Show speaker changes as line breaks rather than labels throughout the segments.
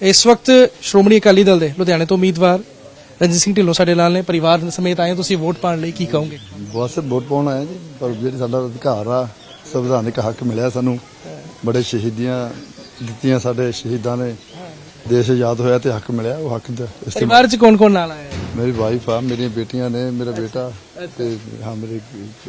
इस वक्त श्रोमणी अकाली दल के लुधियाने तो उम्मीदवार रंजीत सिंह ढिल्लों साडे नाल ने परिवार समेत आए तुसीं वोट पाउण लई की कहोगे?
बस वोट पाउण आए जी पर जिहड़ा साडा अधिकार आ संविधानिक हक मिलिया सानू बड़े शहीदियां दित्तियां साडे शहीदां ने देश आजाद होया ते हक मिलिया वो हक दा
परिवार च कौन कौन नाल आया है?
मेरी वाइफ आ मेरी बेटियां ने मेरा बेटा ते हाँ मेरे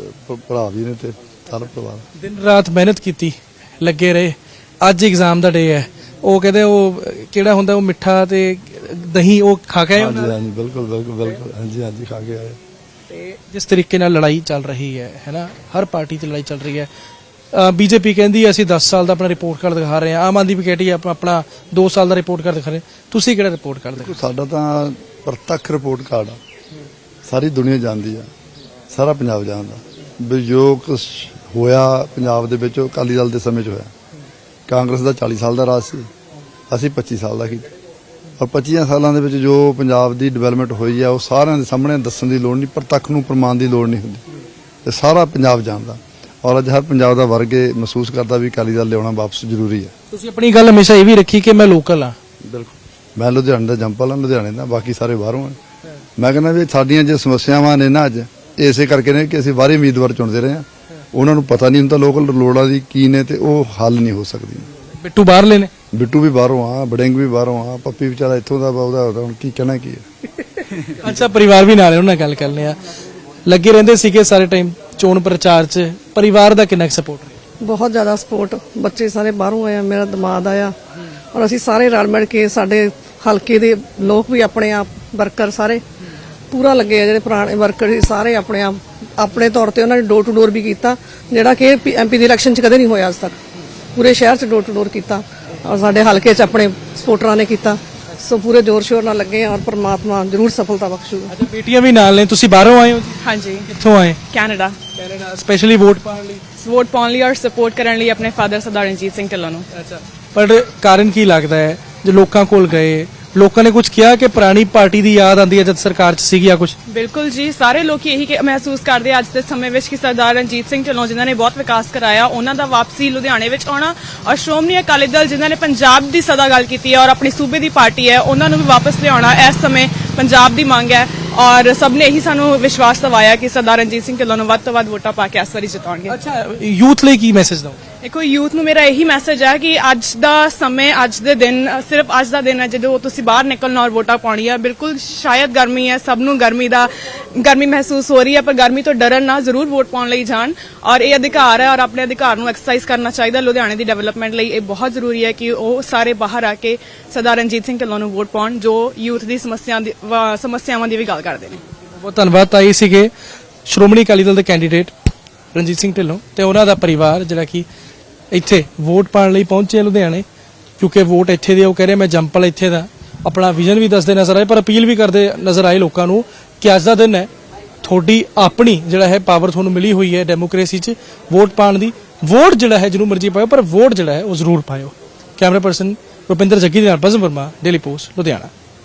भरा भी ने ते सारा परिवार
दिन रात मेहनत की लगे रहे अज एग्जाम का डे है वो कहते वो किहड़ा हुंदा वो मिठा ते दही वो खा के आए?
हाँ जी बिल्कुल बिल्कुल बिल्कुल हाँ जी खा के आए।
जिस तरीके नाल लड़ाई चल रही है ना हर पार्टी च लड़ाई चल रही है। बीजेपी कहती असीं 10 साल का अपना रिपोर्ट कार्ड दिखा रहे हैं, आम आदमी भी कहती है अपना 2 साल का रिपोर्ट कार्ड दिखा रहे हैं, तुसीं किहड़ा रिपोर्ट कार्ड दिखा?
साडा तां प्रत्यक्ष रिपोर्ट कार्ड आ सारी दुनिया जानदी आ सारा पंजाब जानदा भी जो कुछ होया पंजाब दे विच अकाली दल दे समय च होया। कांग्रेस दा 40 साल दा राज सी असीं 25 साल दा कीता और 25 सालां दे विच जो पंजाब दी डिवेलपमेंट होई है वो सारिਆਂ ਦੇ ਸਾਹਮਣੇ ਦੱਸਣ ਦੀ ਲੋੜ ਨਹੀਂ ਪ੍ਰਤੱਖ ਨੂੰ ਪ੍ਰਮਾਣ ਦੀ ਲੋੜ ਨਹੀਂ ਹੁੰਦੀ ਤੇ ਸਾਰਾ ਪੰਜਾਬ ਜਾਣਦਾ और अज हर पंजाब का वर्ग महसूस करता भी अकाली दल लियाना वापस जरूरी है।
तुसीं अपनी गल हमेशा ये भी रखी कि मैं लोकल हाँ?
बिल्कुल मैं लुधियाने का जंपल हाँ लुधियाने का बाकी सारे बाहरों हैं। मैं कहना भी साडियां जो समस्यावां ने ना अज इसे करके ने कि असीं बाहरी उम्मीदवार चुनते रहे हैं उन्होंने पता नहीं हुंदा लोकल लोड़ां दी की ने ते वो हल नहीं हो सकदी।
बिट्टू बाहर लेने
बिट्टू भी बाहरों आ बड़िंग भी बाहरों आ पप्पी बेचारा इत्थों दा ओहदा हुण की कहना की है।
अच्छा परिवार भी नाल उन्हां गल करने आ लगे रहंदे सीगे सारे टाइम चोण प्रचार च परिवार दा किन्ना सपोर्ट?
बहुत ज्यादा सपोर्ट बच्चे सारे बाहरों आए मेरा दमाद आया और असीं सारे रल मिल के साडे हलके दे लोग भी अपने आप वर्कर सारे पूरा लगे आ जिहड़े पुराने वर्कर सारे अपने आप अपने तौर ते उन्होंने डोर टू डोर भी किया जिहड़ा कि एमपी दी इलैक्शन च कदे नहीं होया अज तक पूरे शहर च डोर टू डोर किया और साडे हलके च अपने सपोर्टरां ने किया सो पूरे जोर शोर नाल लगे और परमात्मा जरूर सफलता बख्शूगा।
अच्छा बेटियां भी नाल ने तुसीं बाहरों आए हो?
हाँ जी
कित्थों आए?
कैनेडा
स्पेशली वोट पाउण लई?
वोट पाउण लई और सपोर्ट करन लई अपने फादर सरदार रणजीत सिंह ढिल्लों नूं।
अच्छा पर कारण की लगता है जो लोगों कोल गए लोगों ने कुछ किया कि पुरानी पार्टी की याद आती है जब सरकार च सीगी या कुछ?
बिल्कुल जी सारे लोग यही महसूस करते हैं अज के समय में कि सरदार रणजीत सिंह ढिल्लों जिन्होंने बहुत विकास कराया उन्हों का वापसी लुधियाने में आना और श्रोमणी अकाली दल जिन्होंने पंजाब की सदा गल की है और अपनी सूबे की पार्टी है उन्होंने भी वापस लिया इस समय पंजाब की मांग है और सब ने यही सानू विश्वास दवाया कि सरदार रणजीत सिंह ढिल्लों वध तो वध वोटां पा के इस बारी जिताउणगे।
अच्छा यूथ ਲਈ ਕੀ ਮੈਸੇਜ ਦਿਓ?
देखो यूथ ਨੂੰ ਮੇਰਾ ਇਹੀ ਮੈਸੇਜ ਹੈ ਕਿ ਅੱਜ ਦਾ ਸਮੇਂ ਅੱਜ ਦੇ ਦਿਨ ਸਿਰਫ ਅੱਜ ਦਾ ਦਿਨ ਹੈ ਜਦੋਂ ਤੁਸੀਂ ਬਾਹਰ ਨਿਕਲਣਾ ਔਰ ਵੋਟਾਂ ਪਾਉਣੀਆਂ। ਬਿਲਕੁਲ ਸ਼ਾਇਦ ਗਰਮੀ ਹੈ ਸਭ ਨੂੰ ਗਰਮੀ ਮਹਿਸੂਸ ਹੋ ਰਹੀ ਹੈ ਪਰ ਗਰਮੀ ਤੋਂ ਡਰਨ ਨਾ ਜ਼ਰੂਰ ਵੋਟ ਪਾਉਣ ਲਈ ਜਾਣ ਔਰ ਇਹ ਅਧਿਕਾਰ ਹੈ ਔਰ ਆਪਣੇ ਅਧਿਕਾਰ ਨੂੰ ਐਕਸਰਸਾਈਜ਼ ਕਰਨਾ ਚਾਹੀਦਾ। ਲੁਧਿਆਣੇ ਦੀ ਡਿਵੈਲਪਮੈਂਟ ਲਈ ਇਹ ਬਹੁਤ ਜ਼ਰੂਰੀ ਹੈ ਕਿ ਉਹ ਸਾਰੇ ਬਾਹਰ ਆ ਕੇ ਸਰਦਾਰ ਰਣਜੀਤ ਸਿੰਘ ਢਿੱਲੋਂ ਨੂੰ ਵੋਟ ਪਾਉਣ ਜੋ ਯੂਥ ਦੀ ਸਮੱਸਿਆਵਾਂ ਦੀ ਵੀ ਗੱਲ ਕਰਦੇ ਨੇ।
ਬਹੁਤ ਧੰਨਵਾਦ ਤਾਈ ਸੀਗੇ ਸ਼੍ਰੋਮਣੀ ਅਕਾਲੀ ਦਲ ਦੇ ਕੈਂਡੀਡੇਟ ਰਣਜੀਤ ਸਿੰਘ ਢਿੱਲੋਂ ਤੇ ਉਹਨਾਂ ਦਾ ਪਰਿਵਾਰ ਜਿਹੜਾ ਕਿ ਇੱਥੇ ਵੋਟ ਪਾਉਣ ਲਈ ਪਹੁੰਚੇ ਲੁਧਿਆਣੇ ਕਿਉਂਕਿ ਵੋਟ ਇੱਥੇ ਦੇ ਉਹ ਕਹਿ ਰਹੇ ਮੈਂ ਜੰਪਲ ਇੱਥੇ ਦਾ ਆਪਣਾ ਵਿਜ਼ਨ ਵੀ ਦੱਸਦੇ ਨਜ਼ਰ ਆਏ ਪਰ ਅਪੀਲ ਵੀ ਕਰਦੇ ਨਜ਼ਰ ਆਏ ਲੋਕਾਂ ਨੂੰ ਕਿ ਅੱਜ ਦਾ ਦਿਨ ਹੈ ਤੁਹਾਡੀ ਆਪਣੀ ਜਿਹੜਾ ਹੈ ਪਾਵਰ ਤੁਹਾਨੂੰ ਮਿਲੀ ਹੋਈ ਹੈ ਡੈਮੋਕ੍ਰੇਸੀ 'ਚ ਵੋਟ ਪਾਉਣ ਦੀ ਵੋਟ ਜਿਹੜਾ ਹੈ ਜਿਹਨੂੰ ਮਰਜ਼ੀ ਪਾਇਓ ਪਰ ਵੋਟ ਜਿਹੜਾ ਹੈ ਉਹ ਜ਼ਰੂਰ ਪਾਇਓ। ਕੈਮਰਾ ਪਰਸਨ ਰੁਪਿੰਦਰ ਜੱਗੀ ਦੇ ਨਾਲ ਬਜ਼ਮ ਵਰਮਾ ਡੇਲੀ ਪੋਸਟ ਲੁਧਿਆਣਾ।